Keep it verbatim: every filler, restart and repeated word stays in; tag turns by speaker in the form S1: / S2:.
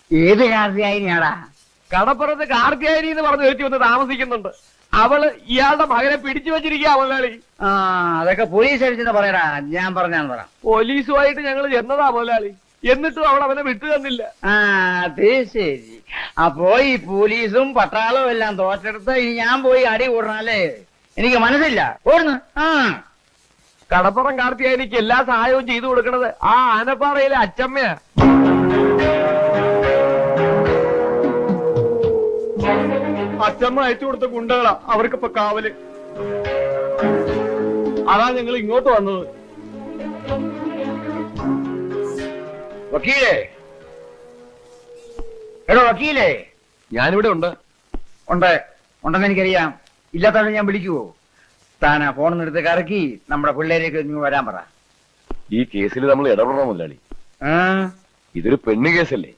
S1: ഏത് കാർത്തിയായിനാടാ?
S2: കടപ്പുറത്ത് കാർത്തിയായനി എന്ന് പറഞ്ഞു വെച്ച് വന്ന് താമസിക്കുന്നുണ്ട്. അവള് ഇയാളുടെ മകനെ പിടിച്ചു വെച്ചിരിക്കുക മുതലാളി.
S1: ആ അതൊക്കെ പോലീസ് അടിച്ചെന്ന് പറയടാ, ഞാൻ പറഞ്ഞാന്ന് പറ.
S2: പോലീസുമായിട്ട് ഞങ്ങൾ ചെന്നതാ മുതലാളി, എന്നിട്ടും അവൾ അവനെ വിട്ടു തന്നില്ല.
S1: ആ അത് ശരി. അപ്പോ ഈ പോലീസും പട്ടാളവും എല്ലാം തോറ്റെടുത്ത് ഇനി ഞാൻ പോയി അടി കൂടണല്ലേ? എനിക്ക് മനസ്സില്ല. ഓടുന്നു. ആ
S2: കടപ്പുറം കാർത്തിയായനിക്ക് എല്ലാ സഹായവും ചെയ്തു കൊടുക്കണത് ആ ആനപ്പാറയിലെ അച്ചമ്മയാ. അച്ചമ്മ അയച്ചു കൊടുത്ത ഗുണ്ടകളാ അവർക്കിപ്പോ കാവല്. അതാ ഞങ്ങൾ ഇങ്ങോട്ട് വന്നത്.
S1: വക്കീലേ, എടോ വക്കീലേ.
S2: ഞാനിവിടെ ഉണ്ട്.
S1: ഉണ്ട് ഉണ്ടെന്ന് എനിക്കറിയാം. ഇല്ലാത്തവരെ ഞാൻ വിളിക്കുവോ? താനാ ഫോണിൽ എടുത്ത് കറക്കി നമ്മുടെ പിള്ളേരേക്ക് ഇങ്ങ് വരാൻ പറ.
S2: ഈ കേസിൽ നമ്മൾ ഇടപെടണം മുതലാളി.
S1: ആ
S2: ഇതൊരു പെണ്ണ് കേസല്ലേ?